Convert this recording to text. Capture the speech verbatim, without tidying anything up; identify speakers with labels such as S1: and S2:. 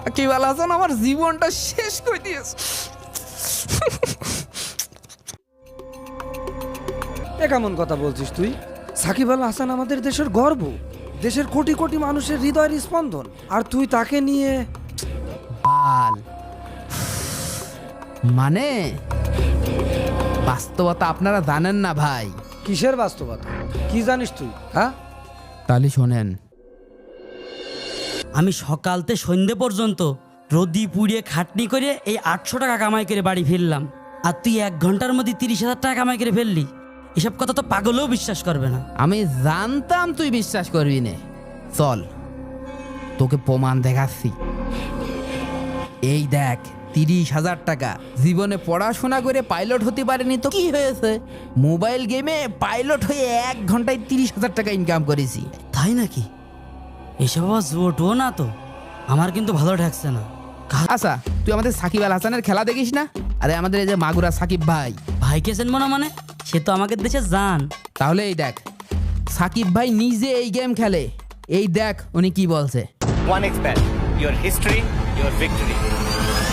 S1: সাকিব আল হাসান আমার জীবনটা শেষ করে দিয়েছে।
S2: এ কেমন কথা বলছিস তুই? সাকিব আল হাসান আমাদের দেশের গর্ব, দেশের কোটি কোটি মানুষের হৃদয়ের স্পন্দন, আর তুই তাকে নিয়ে?
S1: বাল মানে বাস্তবতা আপনারা জানেন না ভাই।
S2: কিসের বাস্তবতা? কি জানিস তুই? হ্যাঁ,
S1: তাহলে শোনেন,
S3: আমি সকালতে সন্ধে পর্যন্ত রোদি পুড়িয়ে খাটনি করে এই আটশো টাকা কামাই করে বাড়ি ফিরলাম, আর তুই এক ঘন্টার মধ্যে তিরিশ হাজার টাকা কামাই করে ফেললি। এসব কথা তো পাগলেও বিশ্বাস করবে না।
S1: আমি জানতাম তুই বিশ্বাস করবি না। চল তোকে প্রমাণ দেখাচ্ছি। এই দেখ, তিরিশ হাজার টাকা। জীবনে পড়াশোনা করে পাইলট হতে পারেনি তো কি হয়েছে, মোবাইল গেমে পাইলট হয়ে এক ঘন্টায় তিরিশ হাজার টাকা ইনকাম করেছি।
S3: তাই নাকি? এসব আবার জোটও না তো, আমার কিন্তু ভালো ঠেকছে না। কা-
S1: আচ্ছা, তুই আমাদের সাকিব আল হাসানের খেলা দেখিস না? আরে আমাদের এই যে মাগুরা সাকিব ভাই,
S3: ভাইকে চেনবো না মানে? সে তো আমাদের দেশে যান।
S1: তাহলে এই দেখ, সাকিব ভাই নিজে এই গেম খেলে। এই দেখ উনি কি বলছে।
S4: OneXBet, your history, your victory.